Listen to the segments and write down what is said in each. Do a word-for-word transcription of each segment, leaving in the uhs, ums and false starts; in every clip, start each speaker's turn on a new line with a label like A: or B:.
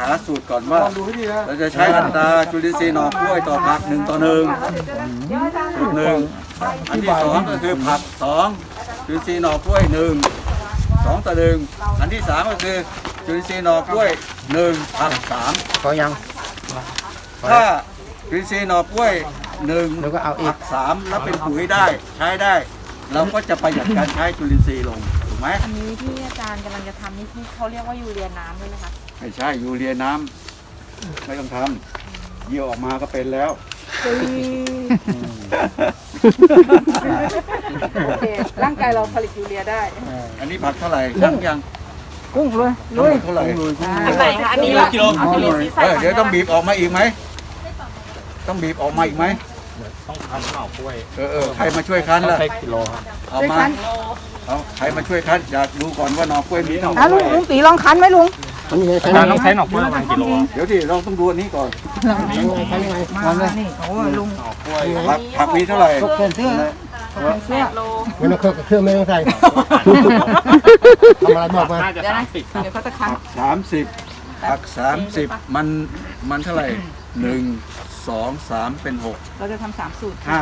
A: าสูตรก่อนว่าเราจะใช้อัตราจุลินทรีย์หน่อกล้วยต่อผักหนึ่งต่อหนึ่งสูตรหนึ่งอันที่สองก็คือผักสองจุลินทรีย์หน่อกล้วยหนึ่งสองต่อหนึ่งอันที่สามก็คือจุลินทรีย์หน่อกล้วยหนึ่งผักสาม
B: พอยัง
A: ถ้าจุลินทรีย์หน่อกล้วยหนึ่ง
B: แล้วก็เอาอี
A: ผั
B: ก
A: กสามแล้วเป็นปุ๋ยได้ใช้ได้เราก็จะประหยัดการใช้จุลินทรีย์ลงถูกไหม
C: อันนี้ที่อาจารย์กำลังจะทำนี่ที่เขาเรียกว่ายูเรียน้ำด้วยนะคะ
A: ไม่ใช่ยูเรียน้ำไม่ต้องทำเยี่ยวออกมาก็เป็นแล้ว
C: โอเคร่างกายเราผลิตยูเรียได้
A: อันนี้ผักเท่าไหร่ช่างยัง
B: กุ้งเลย
A: ทั้งหมดเท่าไหร่
C: อันไหนคะอันนี้กิโลเอากิโลที่ใส่
A: เออเดี๋ยวต้องบีบออกมาอีกไหมต้องบีบออกมาอีกไหม
D: ต้องทำหน่อกล้วย
A: เออเออใครมาช่วยคั้นล่ะ
D: ใช้กิโลครับ
A: เอามาเอาใครมาช่วยคั้นอยากดูก่อนว่าหน่อกล้วยมีหน่อ
B: อ่ะลุงลุงตีลองคั้นไหมลุงมันยังไงคั้น
D: อาจารย์ต้องใช้หน่อกล้วยประมาณกิโลครับ
A: เดี๋ยวดิเราต้องดูอันนี้ก่อน
B: ยังไงคั้นยังไงมาเลยนี่โอ้ยลุง
D: หน่อกล้วย
A: ผักผักมีเท่าไหร่
B: เปลี่ยนเสื้อ
C: แปดโล
B: ไม่ต้องเครื่องเครื่องไม่ต้องใส่ทำอะไรบอกมา
D: น่าจะสามสิบ
C: เดี๋ยวเขาจะคั้น
A: ผักสามสิบผักสามสิบมันมันเท่าไหร่หนึ่งสองสามเป็นหก
C: เราจะทำสามสูตร
A: ห้า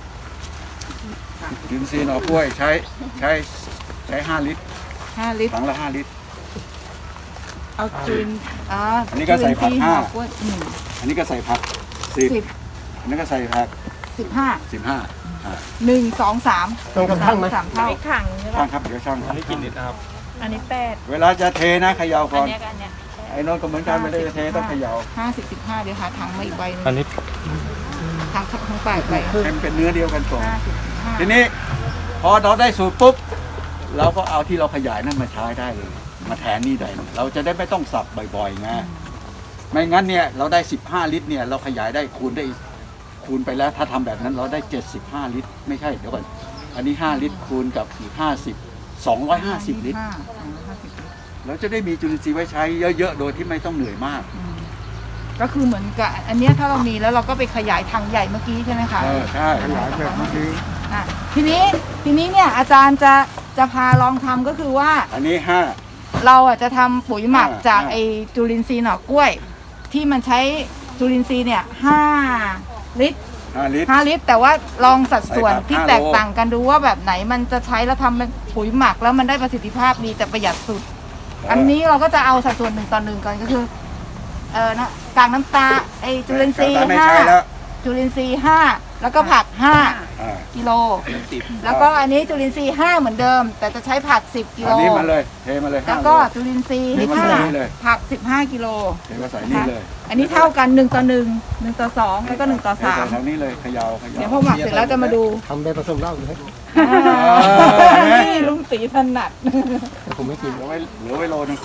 A: จุลินทรีย์หน่อกล้วยใช้ใช้ใช้ห้าลิตร
C: ห้าลิตร
A: ถังละห้าลิตร
C: เอาจุลินอ่า
A: อันนี้ก็ใส่ผักห้า
C: จุลินทรีย์หน่อกล้วยหนึ่ง
A: อันนี้ก็ใส่ผักสิบ
C: สิบ
A: อันนี้ก็ใส่ผัก
C: สิบห้า
A: สิบห้า
C: หนึ่งสองสาม
B: ต้องกำทั้งไหม
C: สามเท่าขังใช่
A: ช่า
C: ปะ
A: งครับเดี๋ยวช่าง
D: อันนี้กินนิดนะครับ
C: อันนี้แปด
A: เวลาจะเทนะเขย่า
C: อั
A: ก่
C: น
A: อน
C: เนี้ยกับอันเนี้ย
A: ไอ้โนนก็เหมือนกันไม่ได้จะเทต้องเขย่า
C: ห้าสิบสิบห้าเดี๋ยวหาถังมาอีกใบหนึง
D: อันนี้
C: ถังถังแปดใบ
A: ให้มันเป็นเนื้อเดียวกันก่อน
C: ห้าสิบสิบห้า
A: ทีนี้พอเราได้สูตรปุ๊บเราก็เอาที่เราขยายนั่นมาใช้ได้เลย มาแทนนี่ได้เลยเราจะได้ไม่ต้องสับบ่อยๆไงไม่งั้นเนี่ยเราได้สิบห้าลิตรเนี่ยเราขยายได้คูณได้อีกคูณไปแล้วถ้าทำแบบนั้นเราได้เจ็ดสิบห้าลิตรไม่ใช่เดี๋ยวก่อนอันนี้ห้าลิตรคูณกับอีกห้าสิบ สองร้อยห้าสิบลิตร
C: ห้าห้าสิบลิตร
A: เราจะได้มีจุลินทรีย์ไว้ใช้เยอะๆโดยที่ไม่ต้องเหนื่อยมาก
C: ก็คือเหมือนกับอันเนี้ยถ้าเรามีแล้วเราก็ไปขยายถังใหญ่เมื่อกี้ใช่ไหมคะ
A: เออใช่ขยายแบบเมื่อกี้
C: อ่ะทีนี้ทีนี้เนี่ยอาจารย์จะจะพาลองทำก็คือว่า
A: อันนี้ห้า
C: เราอ่ะจะทำปุ๋ยหมัก
A: อ่า
C: จาก
A: อ่า
C: ไอจุลินทรีย์หน่อกล้วย ที่มันใช้จุลินทรีย์เนี่ยห้าลิตร
A: ห้าลิตร
C: ห้าลิตร แต่ว่าลองสัดส่วน
A: ใส่ผัก
C: ที่
A: ห้าโล
C: แตกต่างกันดูว่าแบบไหนมันจะใช้แล้วทำเป็นปุ๋ยหมักแล้วมันได้ประสิทธิภาพดีแต่ประหยัดสุด อันนี้เราก็จะเอาสัดส่วนหนึ่งต่อหนึ่งก่อนก็คือเออนะกากน้ำตาไอจุลินทรีย์
A: แต่ไม่
C: ห้า
A: ใช่แล้ว
C: จุลินทรีย์ห้าแล้วก็ผักห้า
A: อ่า
C: กิโลแล้วก็อันนี้จุลินทรีย์ห้าเหมือนเดิม แต่จะใช้ผักสิบกิโล
A: อันนี้มาเลยเทมาเลย
C: แล้
A: ห้าว โล
C: ก็จุลินทรีย์
A: เทมา
C: ห้า
A: ใส่นี่เลย
C: ผักสิบห้ากิโล
A: เทมาใส่นี่เลย
C: อันนี้เท่ากันหนึ่งต่อหนึ่งหนึ่งต่อสองแล้วก็หนึ่งต่อ
A: เท
C: สาม
A: ใส่ทางนี้เลยเขย่าเขย่า
C: เดี๋ยวพอหมักเสร็จแล้วจะมาดู
B: ทำได้ผสมเหล้าอยู่ให้
C: อ่านี่ลุงตีถนัด
B: แต่ผมไม่กิน
A: เหลือไว้เหลือไว้โลนึง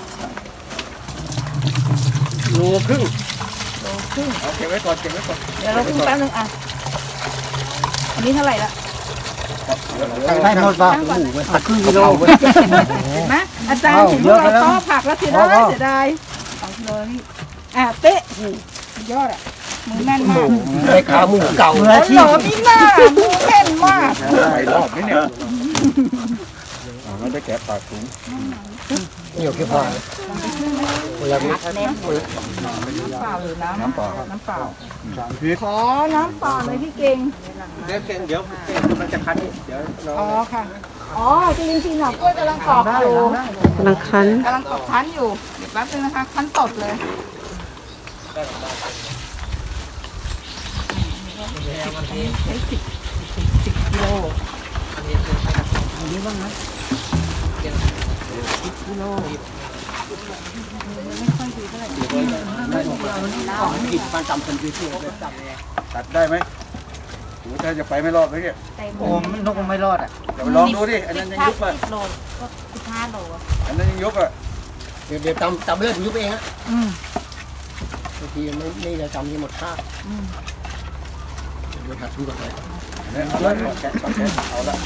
B: โลครึ่ง
C: โลครึ่ง
A: เอาเก็บไว้ก่อนเก็บไว้ก่อน
C: เดี๋ยวเราครึ่งแป๊บนึงอ่ะอันนี้เท่าไหร่ละ
B: ได้หมดป่ะหมูไปครึ่งกิโล
C: เห็นไหมอาจารย์ถึงว่าเราต้อผักแล้วเสียดายเสียดายสองกิโลนี่อ่ะเป๊ะโอ้โหสุดยอดอ่ะมือแม่นมาก
B: ได้ขาหมูเก่า
C: โอ้โหมีหน้ามือแม่นมาก
A: ใส่รอบนี้เนี่ยอ่าไม่ได้แกะปากถุง
B: เหนียวแค่พอเวลานี้
C: น้ำเปล่าหรือน้ำ
A: น้ำเปล่า
C: น้ำเปล่า
A: สามพิษ
C: ขอน้ำเปล่าเลยพี่เก่ง
B: เดี๋ยวเดี๋ยวมันจะคันเดี๋ยวเรา
C: อ๋อค่ะ อ๋อจริงจริงๆหน่อกล้วยกำลังกรอกอยู่
E: กำลังคั้น
C: กำลังกรอกคั้นอยู่ เดี๋ยวแป๊บนึงนะคะ คั้นสดเลยใช้สิบสิบกิโลอันนี้บ้างนะสิบกิโลไม่ค่อยดีเท่าไหร่
B: ผิดความจำคนที่ที่จำไง
A: ตัดได้ไหมโอ้ถ้าจะไปไม่รอดไหมเนี่ย
B: โอ้มันนกมันไม่รอดอ่ะ
A: เดี๋ยวไปลองดูดิอันนั้นยังยุบอ่ะ
C: สิบโลก็สิบห้าโลอะ
A: อันนั้นยังยุบอ่ะ
B: เดี๋ยวเดี๋ยวจำจำเลือดยุบเองฮะ
C: อืม
B: บางทีไม่ไม่จะจำที่หมดค่า
C: อืม
B: เดี๋ยวหัดทุกข์เลย
A: เนี่ยเอาละแกะแกะเอาละ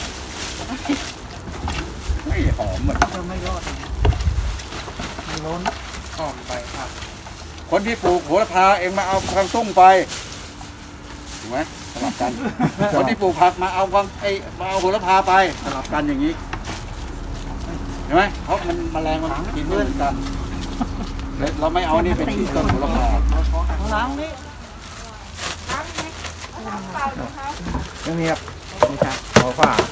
A: ไม่หอมเหมือน
C: เราไม่รอด
B: ล้นออกไปครับ
A: คนที่ปลูกโหระพาเองมาเอาควางตุ้งไปถูกไหมสลับกัน คนที่ปลูกผักมาเอาควางไอมาเอาโหระพาไปสลับกันอย่างนี้เห็นไหมเพราะมันแมลงมันกินเพื่อนกันเราไม่เอานี่เป็นที่ต้นหัวละพา
B: ล้างนี่ไม่มีครับไม่ใช่ขอฝา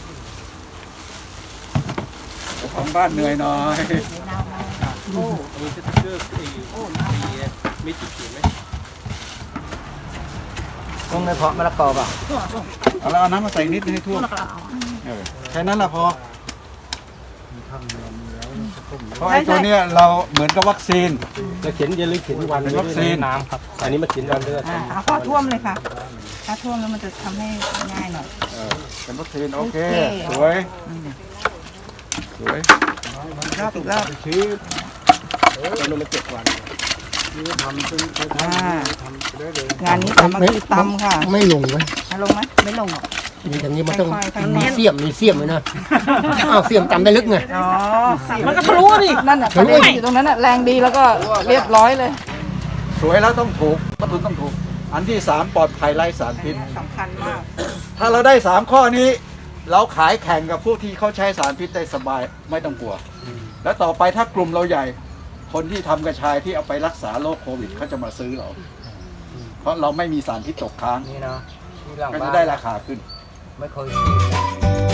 A: ของบ้านเหนื่อยหน่อย
D: มีสติ๊กเกอร์มีจุดเขียนไหม
B: ต้องในเพาะมะละกอเปล่า
A: เอาแล้วเอาน้ำมาใส่นิดนึงให้ท่วมเออแค่นั้นแหละพอเพราะไอ้ตัวเนี้ยเราเหมือนกับวัคซีน
D: จะเขียนอย่าลืมเขียนวัน
A: เป็นวัคซีน
D: น้ำครับ อันนี้มาเขียนวันเลือด
C: อ่าเอาข้อท่วมเลยค่ะ ถ้าท่วมแล้วมันจะทำให้ง่ายหน่อย
A: เออเป็นวัคซีนโอเค
C: โอเค
A: สวยสวย
C: รอบอีกรอบ
B: ชี้
D: มันมันเจ็ดวัน
B: ทำซึ่ง
C: อ่างานนี้สามัคคีตำค่ะ
B: ไม่ลงไหม
C: เอาลงไหมไม่ลงหรอก
B: มีอย่างนี้มันต้อง
C: ค่อยๆ
B: มีเสียมมีเสียมเลยนะอ้าวเสียมจำได้ลึกไง
C: อ๋อมันก็ทะลุดินั่นน่ะทะลุอยู่ตรงนั้นน่ะแรงดีแล้วก็เรียบร้อยเลย
A: สวยแล้วต้องถูกวัตถุต้องถูก อันที่สามปลอดภัยไร้สารพิษ
C: สำคัญมาก
A: ถ้าเราได้สามข้อนี้ เราขายแข่งกับผู้ที่เขาใช้สารพิษได้สบายไม่ต้องกลัว แล้วต่อไปถ้ากลุ่มเราใหญ่ คนที่ทำกระชายที่เอาไปรักษาโรคโควิดเขาจะมาซื้อเรา เพราะเราไม่มีสารพิษตกค้าง
B: นี่เนาะที่หลัง
A: ก็
B: บ้า
A: จะ
B: น
A: ได้ราคาขึ้น
B: ไม่เคย